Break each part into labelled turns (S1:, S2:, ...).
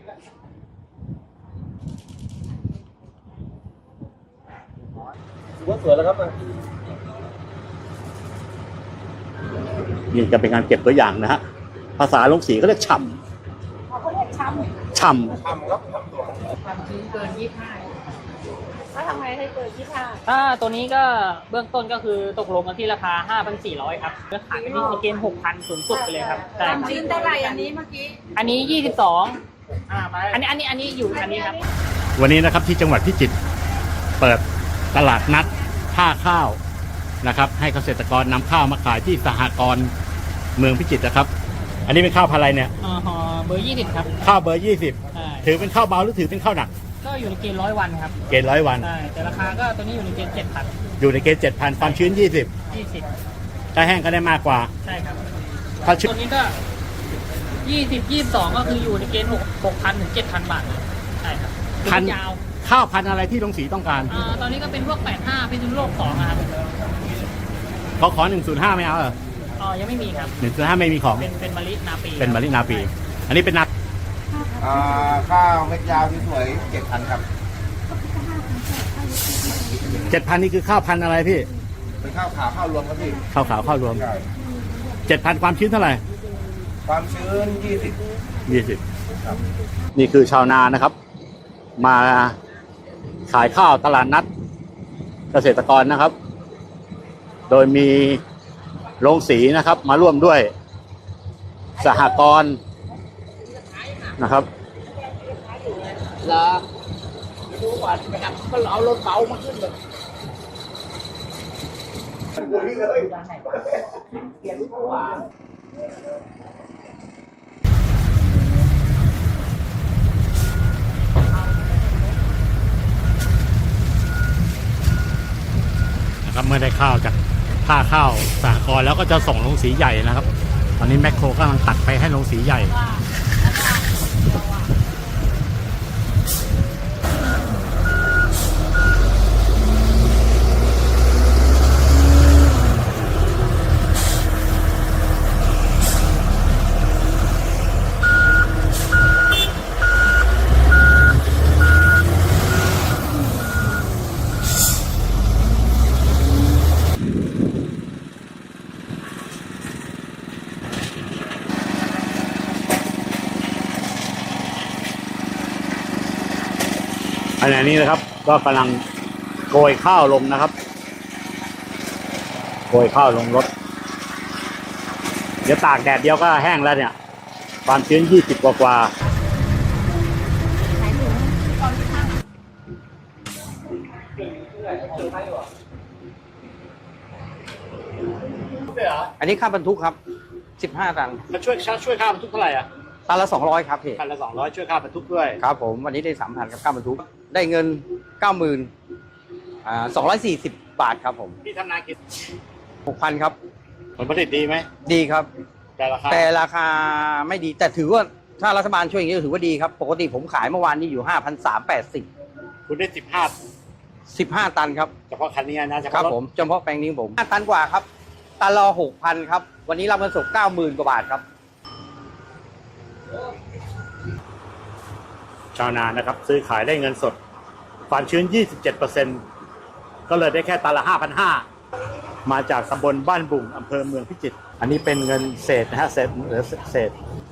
S1: ว่าสวยแล้วครับนี่จะเป็นการเก็บตัวอย่างนะฮะภาษาลงสีเขาเรียกฉ่ำ
S2: เขาเรียกช้
S1: ฉ่
S2: ำครับความชื้นเกิน25แล้วทำไงให้เกิน25
S3: ถ้าตัวนี้ก็เบื้องต้นก็คือตกลงกันที่ราคา 5,400 ครับก็ขายกันที่เกณฑ์ 6,000 สูงสุดไปเลยครับ
S2: ความชื้นเท่าไหร่อันนี้เมื่อกี้
S3: อันนี้ 22อันนี้อยู่อันนี้ครับ
S1: วันนี้นะครับที่จังหวัดพิจิตรเปิดตลาดนัดท่าข้าวนะครับให้เกษตรกรนำข้าวมาขายที่สหกรณ์เมืองพิจิตรนะครับอันนี้เป็นข้าวพันธุ์อะไรเนี่ย
S3: เบอร์ 20 ครับ
S1: ข้าวเบอร์ 20ถือเป็นข้าวเบาหรือถือเป็นข้าวหนัก
S3: ก็อยู่ในเกณฑ์100 วันครับ
S1: เกณฑ์100 วัน
S3: ใช่แต่ราคาก็ตัวนี้อยู่ในเกณฑ์ 7,000
S1: อยู่ในเกณฑ์ 7,000 ความชื้น20ถ้าแห้งก็ได้มากกว่า
S3: ใช่ครับ
S1: ถ้าชื้น
S3: ตัวนี้ก็22ก็คืออยู่ในเกณฑ์ 6,000 ถึง 7,000 บาทใช่ครับ
S1: พันยาวข้าวพันธุ์อะไรที่ลงสีต้องการ
S3: ตอนนี้ก็เป็นพวก85เป็นโลก2นะครับ
S1: ขอ105ไม่เอาเหรอ
S3: ยังไม่มีครับ
S1: 105ไม่มีของ
S3: เป็นมะลินาปี
S1: เป็นมะลินาปีอันนี้เป็นนัก
S4: ข้าวเม็ดยาวที่สวย7,000ครับ
S1: 7,000นี่คือข้าวพันธุ์อะไรพี่
S4: เป็นข้าวขาวข้าวรวมครับพี่
S1: ข้าวขาวข้าวรวม7,000ความชื้นเท่าไหร่
S4: ความชื้น20
S1: ครับนี่คือชาวนานะครับมาขายข้าวตลาดนัดเกษตรกรนะครับโดยมีโรงสีนะครับมาร่วมด้วยสหกรณ์นะครับ
S2: แล้วดูก่อนก็เอารถเบามาขึ้นเลย
S1: นะครับเมื่อได้ข้าวจากท่าข้าวสหกรณ์แล้วก็จะส่งลงสีใหญ่นะครับตอนนี้แมคโครกำลังตัดไปให้ลงสีใหญ่ขณะนี้นะครับก็กำลังโกยข้าวลงนะครับโกยข้าวลงรถเดี๋ยวตากแดดเดียวก็แห้งแล้วเนี่ยความชื้น20กว่า
S5: อันนี้ค่าบรรทุกครับ15 ตัน
S1: ช่วยค่าบรรทุกเท่าไหร่อ่ะ
S5: ตันละ200ครับพี่
S1: ตันละ200ช่วยค่าบรรทุกด้วย
S5: ครับผมวันนี้ได้ 3,000 กับค่าบรรทุกได้เงิน 90,240 บาทครับผม
S1: พี่ทำนากี่
S5: 6,000 ครับ
S1: ผลผลิตดีไหม
S5: ดีครับ
S1: แต่ราคา
S5: ไม่ดีแต่ถือว่าถ้ารัฐบาลช่วยอย่างนี้ถือว่าดีครับปกติผมขายเมื่อวานนี้อยู่ 5,380
S1: คุณได้
S5: 15 ตันครับ
S1: เฉพาะคันนี้นะ
S5: ครับผมเฉพาะแปลงนี้ผม5 ตันกว่าครับตันละ 6,000 ครับวันนี้รับเงินสด 90,000 กว่าบาทครับ
S1: ชาวนานะครับซื้อขายได้เงินสดความชื้น 27% ก็เลยได้แค่ตันละ 5,500 มาจากตำบลบ้านบุ่งอำเภอเมืองพิจิตรอันนี้เป็นเงินเศษนะฮะเศษเหลือเศษ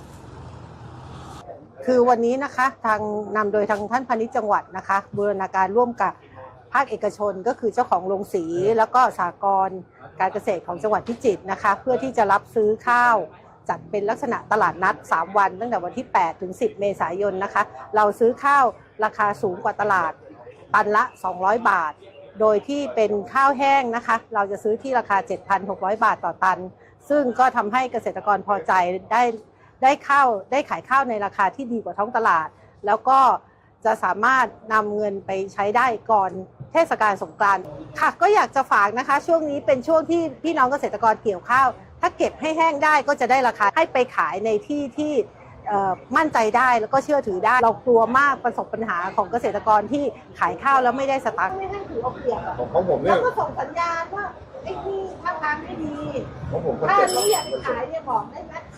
S6: คือวันนี้นะคะทางนำโดยทางท่านพาณิชย์จังหวัดนะคะบูรณาการร่วมกับภาคเอกชนก็คือเจ้าของโรงสีแล้วก็สหกรณ์การเกษตรของจังหวัดพิจิตรนะคะเพื่อที่จะรับซื้อข้าวจัดเป็นลักษณะตลาดนัด3 วันตั้งแต่วันที่8 ถึง 10 เมษายนนะคะเราซื้อข้าวราคาสูงกว่าตลาดตันละ200 บาทโดยที่เป็นข้าวแห้งนะคะเราจะซื้อที่ราคา 7,600 บาทต่อตันซึ่งก็ทำให้เกษตรกรพอใจได้ขายข้าวในราคาที่ดีกว่าท้องตลาดแล้วก็จะสามารถนำเงินไปใช้ได้ก่อนเทศกาลสงกรานต์ค่ะก็อยากจะฝากนะคะช่วงนี้เป็นช่วงที่พี่น้องเกษตรกรเกี่ยวข้าวถ้าเก็บให้แห้งได้ก็จะได้ราคาให้ไปขายในที่ที่มั่นใจได้แล้วก็เชื่อถือได้เรากลัวมากประสบปัญหาของเกษตรกรที่ขายข้าวแล้วไม่ได้สตังค์ไม่ให้ถือเอาเปรียบ
S4: ของผมเนี่ย
S6: แล้วก็ส่งสัญญาณว่าไอ้ที่ท่าทางไม่ดีถ้านี้อยากขายเนี่ยบอกได้ไหม